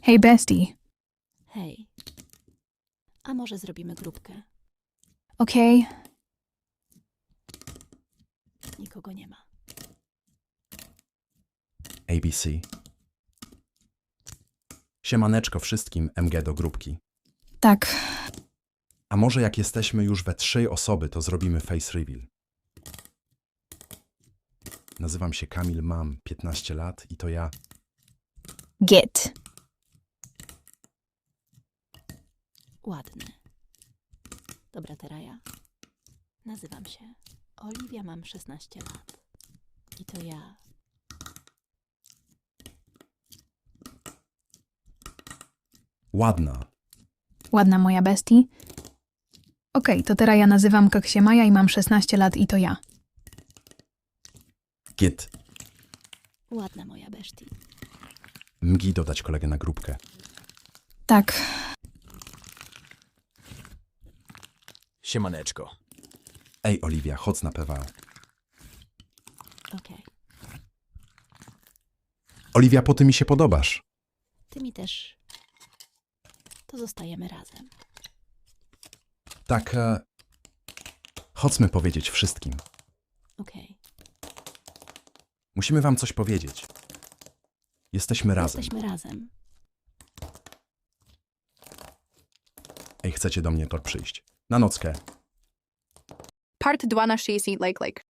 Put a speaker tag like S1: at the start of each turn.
S1: Hey bestie.
S2: Hej. A może zrobimy grupkę?
S1: Okay.
S2: Nikogo nie ma.
S3: ABC. Siemaneczko wszystkim, MG do grupki.
S1: Tak.
S3: A może jak jesteśmy już we 3 osoby, to zrobimy face reveal. Nazywam się Kamil, mam 15 lat i to ja.
S1: Git.
S2: Ładny. Dobra, teraz ja. Nazywam się Oliwia, mam 16 lat. I to ja.
S3: Ładna.
S1: Ładna moja bestie. Okej, to teraz ja nazywam się Maja i mam 16 lat i to ja.
S3: Git.
S2: Ładna moja beszti.
S3: Mgi dodać kolegę na grupkę.
S1: Tak.
S4: Siemaneczko.
S3: Ej, Oliwia, chodź na PWA.
S2: Okej.
S3: Oliwia, po ty mi się podobasz.
S2: Ty mi też. To zostajemy razem.
S3: Tak, chodźmy powiedzieć wszystkim.
S2: Okej.
S3: Musimy wam coś powiedzieć. Jesteśmy razem.
S2: Jesteśmy razem.
S3: Ej, chcecie do mnie to przyjść. Na nockę.
S5: Part 2 na 60 like.